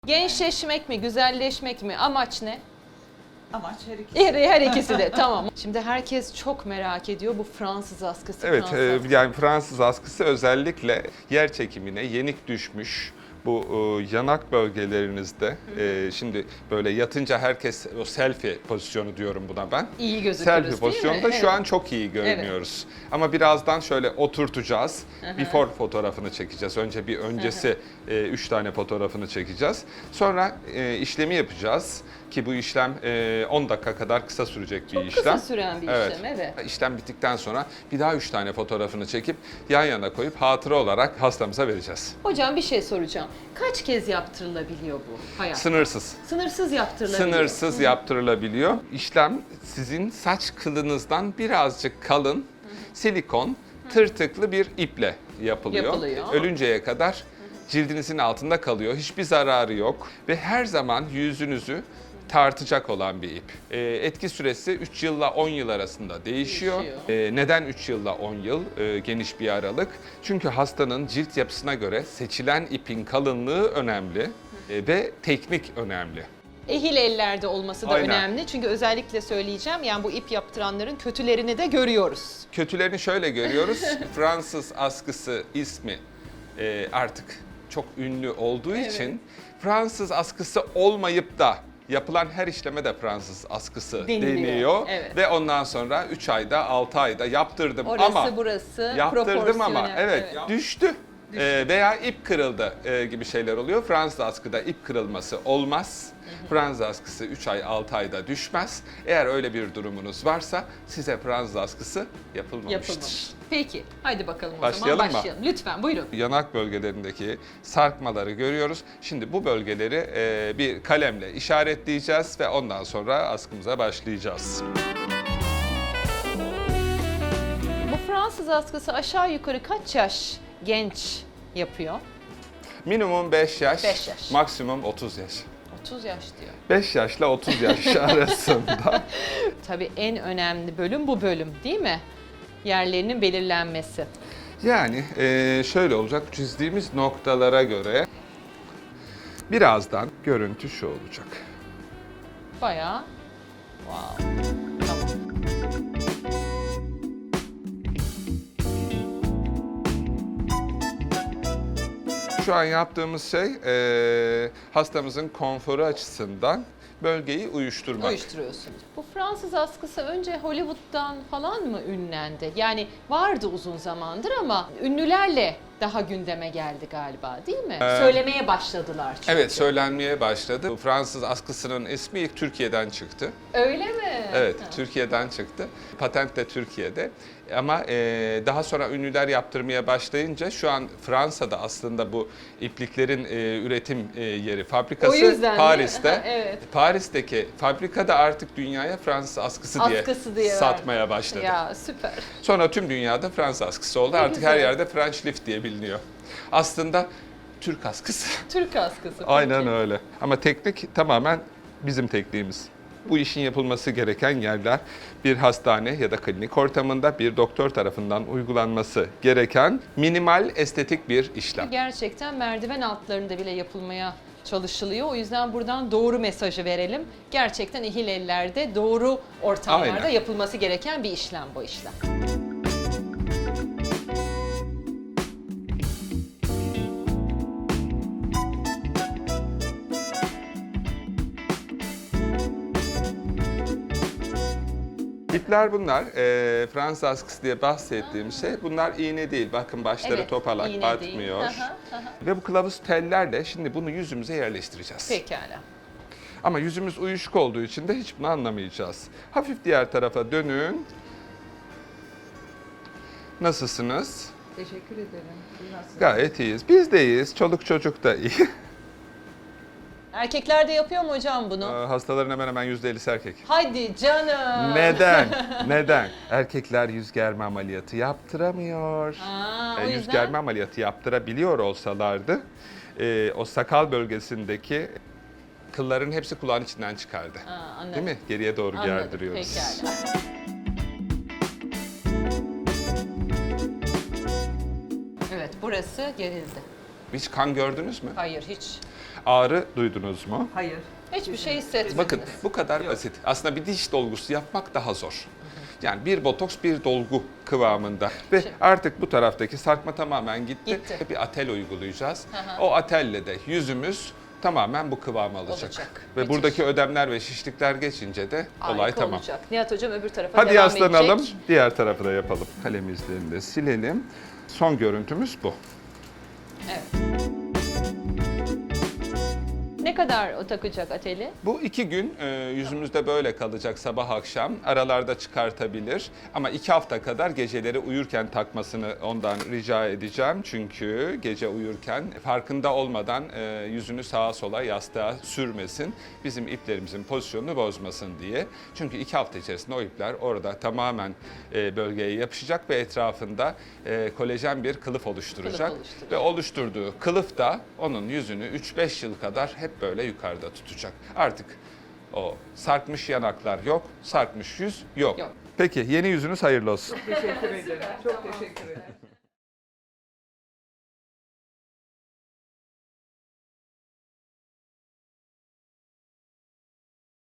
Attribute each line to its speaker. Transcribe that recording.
Speaker 1: Gençleşmek mi, güzelleşmek mi? Amaç ne?
Speaker 2: Amaç her ikisi.
Speaker 1: Her ikisi de tamam. Şimdi herkes çok merak ediyor bu Fransız askısı.
Speaker 3: Evet,
Speaker 1: Fransız askısı.
Speaker 3: yani Fransız askısı özellikle yer çekimine yenik düşmüş bu yanak bölgelerinizde. Şimdi böyle yatınca herkes o selfie pozisyonu diyorum buna ben.
Speaker 1: İyi gözükürüz
Speaker 3: Selfie
Speaker 1: değil mi?
Speaker 3: pozisyonunda
Speaker 1: Evet.
Speaker 3: şu an çok iyi görünüyoruz. Ama birazdan şöyle oturtacağız. Before fotoğrafını çekeceğiz. Önce bir öncesi 3 tane fotoğrafını çekeceğiz. Sonra işlemi yapacağız. Ki bu işlem 10 dakika kadar kısa sürecek bir işlem.
Speaker 1: Çok kısa süren bir işlem, evet.
Speaker 3: İşlem bittikten sonra bir daha 3 tane fotoğrafını çekip yan yana koyup hatıra olarak hastamıza vereceğiz.
Speaker 1: Hocam bir şey soracağım. Kaç kez yaptırılabiliyor bu hayat?
Speaker 3: Sınırsız.
Speaker 1: Sınırsız yaptırılabiliyor.
Speaker 3: Sınırsız yaptırılabiliyor. İşlem sizin saç kılınızdan birazcık kalın silikon tırtıklı bir iple yapılıyor. Ölünceye kadar cildinizin altında kalıyor. Hiçbir zararı yok ve her zaman yüzünüzü tartacak olan bir ip. Etki süresi 3 yılla 10 yıl arasında değişiyor. Neden 3 yılla 10 yıl? Geniş bir aralık. Çünkü hastanın cilt yapısına göre seçilen ipin kalınlığı önemli ve teknik önemli.
Speaker 1: Ehil ellerde olması da
Speaker 3: Aynen.
Speaker 1: önemli. Çünkü özellikle söyleyeceğim, yani bu ip yaptıranların kötülerini de görüyoruz.
Speaker 3: Kötülerini şöyle görüyoruz. Fransız askısı ismi artık çok ünlü olduğu için Fransız askısı olmayıp da yapılan her işleme de Fransız askısı deniyor.
Speaker 1: Evet.
Speaker 3: Ve ondan sonra 3 ayda 6 ayda yaptırdım
Speaker 1: Orası
Speaker 3: ama
Speaker 1: burası
Speaker 3: yaptırdım ama
Speaker 1: proporsiyonel.
Speaker 3: evet, düştü. Veya ip kırıldı gibi şeyler oluyor. Fransız askıda ip kırılması olmaz. Fransız askısı 3 ay 6 ayda düşmez. Eğer öyle bir durumunuz varsa size Fransız askısı yapılmamıştır.
Speaker 1: Yapılmamış. Peki, hadi bakalım o
Speaker 3: Başlayalım
Speaker 1: zaman
Speaker 3: mı?
Speaker 1: başlayalım. Lütfen buyurun.
Speaker 3: Yanak bölgelerindeki sarkmaları görüyoruz. Şimdi bu bölgeleri bir kalemle işaretleyeceğiz ve ondan sonra askımıza başlayacağız.
Speaker 1: Bu Fransız askısı aşağı yukarı kaç yaş genç yapıyor?
Speaker 3: Minimum 5 yaş,
Speaker 1: 5 yaş.
Speaker 3: maksimum 30 yaş.
Speaker 1: 30 yaş diyor.
Speaker 3: 5 yaşla 30 yaş arasında.
Speaker 1: Tabii en önemli bölüm bu bölüm değil mi? Yerlerinin belirlenmesi.
Speaker 3: Yani şöyle olacak, çizdiğimiz noktalara göre birazdan görüntü şu olacak.
Speaker 1: Bayağı. Wow. Tamam.
Speaker 3: Şu an yaptığımız şey hastamızın konforu açısından bölgeyi uyuşturmak.
Speaker 1: Uyuşturuyorsunuz. Bu Fransız askısı önce Hollywood'dan falan mı ünlendi? Yani vardı uzun zamandır ama ünlülerle daha gündeme geldi galiba değil mi? Söylemeye başladılar çünkü.
Speaker 3: Evet, söylenmeye başladı. Bu Fransız askısının ismi ilk Türkiye'den çıktı.
Speaker 1: Öyle mi?
Speaker 3: Evet,
Speaker 1: Ha.
Speaker 3: Türkiye'den çıktı. Patent de Türkiye'de. Ama daha sonra ünlüler yaptırmaya başlayınca şu an Fransa'da aslında bu ipliklerin üretim yeri,
Speaker 1: O
Speaker 3: fabrikası
Speaker 1: yüzden
Speaker 3: Paris'te.
Speaker 1: evet.
Speaker 3: Paris'teki fabrikada artık dünyaya Fransız askısı diye
Speaker 1: verdi.
Speaker 3: satmaya başladı.
Speaker 1: Ya süper.
Speaker 3: Sonra tüm dünyada Fransız askısı oldu.
Speaker 1: Ne
Speaker 3: Artık
Speaker 1: güzel.
Speaker 3: her yerde French lift diye biliniyor. Aslında Türk askısı.
Speaker 1: Türk askısı.
Speaker 3: Aynen
Speaker 1: peki.
Speaker 3: öyle. Ama teknik tamamen bizim tekniğimiz. Bu işin yapılması gereken yerler bir hastane ya da klinik ortamında bir doktor tarafından uygulanması gereken minimal estetik bir işlem.
Speaker 1: Gerçekten merdiven altlarında bile yapılmaya çalışılıyor. O yüzden buradan doğru mesajı verelim. Gerçekten ehil ellerde doğru ortamlarda
Speaker 3: Aynen.
Speaker 1: yapılması gereken bir işlem bu işlem.
Speaker 3: İpler bunlar. Fransız askısı diye bahsettiğim şey. Bunlar iğne değil. Bakın başları
Speaker 1: Evet,
Speaker 3: topalak
Speaker 1: iğne
Speaker 3: batmıyor.
Speaker 1: değil. Aha, aha.
Speaker 3: Ve bu kılavuz tellerle şimdi bunu yüzümüze yerleştireceğiz.
Speaker 1: Pekala.
Speaker 3: Ama yüzümüz uyuşuk olduğu için de hiç bunu anlamayacağız. Hafif diğer tarafa dönün. Nasılsınız?
Speaker 2: Teşekkür ederim. Siz nasılsınız?
Speaker 3: Gayet iyiyiz. Biz de iyiyiz. Çoluk çocuk da iyi.
Speaker 1: Erkekler de yapıyor mu hocam bunu?
Speaker 3: Hastaların hemen hemen %50'si erkek.
Speaker 1: Hadi canım.
Speaker 3: Neden? Neden? Erkekler yüz germe ameliyatı yaptıramıyor.
Speaker 1: O
Speaker 3: Yüz
Speaker 1: yüzden
Speaker 3: germe ameliyatı yaptırabiliyor olsalardı o sakal bölgesindeki kılların hepsi kulağın içinden çıkardı.
Speaker 1: anladım.
Speaker 3: Değil mi? Geriye doğru
Speaker 1: Anladım.
Speaker 3: gerdiriyoruz.
Speaker 1: Pekala. Evet, burası gerildi.
Speaker 3: Hiç kan gördünüz mü?
Speaker 1: Hayır, hiç.
Speaker 3: Ağrı duydunuz mu?
Speaker 2: Hayır.
Speaker 1: Hiçbir şey hissetmediniz.
Speaker 3: Bakın bu kadar basit. Aslında bir diş dolgusu yapmak daha zor. Yani bir botoks bir dolgu kıvamında. Ve artık bu taraftaki sarkma tamamen gitti.
Speaker 1: Gitti.
Speaker 3: Bir atel uygulayacağız.
Speaker 1: Hı.
Speaker 3: O atelle de yüzümüz tamamen bu kıvamı alacak.
Speaker 1: Olacak.
Speaker 3: Ve
Speaker 1: Müthiş.
Speaker 3: buradaki ödemler ve şişlikler geçince de olay
Speaker 1: Harika
Speaker 3: tamam.
Speaker 1: olacak. Nihat Hocam öbür tarafa
Speaker 3: Hadi
Speaker 1: devam
Speaker 3: yaslanalım.
Speaker 1: edecek.
Speaker 3: Diğer tarafı da yapalım. Kalem izlerini de silelim. Son görüntümüz bu.
Speaker 1: Evet. Ne kadar o takacak ateli?
Speaker 3: Bu 2 gün yüzümüzde böyle kalacak sabah akşam. Aralarda çıkartabilir. Ama 2 hafta kadar geceleri uyurken takmasını ondan rica edeceğim. Çünkü gece uyurken farkında olmadan yüzünü sağa sola yastığa sürmesin. Bizim iplerimizin pozisyonunu bozmasın diye. Çünkü 2 hafta içerisinde o ipler orada tamamen bölgeye yapışacak ve etrafında kolajen bir kılıf oluşturacak.
Speaker 1: Kılıf oluşturacak.
Speaker 3: Ve oluşturduğu kılıf da onun yüzünü 3-5 yıl kadar hep böyle yukarıda tutacak. Artık o sarkmış yanaklar yok, sarkmış yüz yok.
Speaker 1: Yok.
Speaker 3: Peki yeni yüzünüz hayırlı olsun.
Speaker 2: Teşekkür ederim. Çok teşekkür ederim.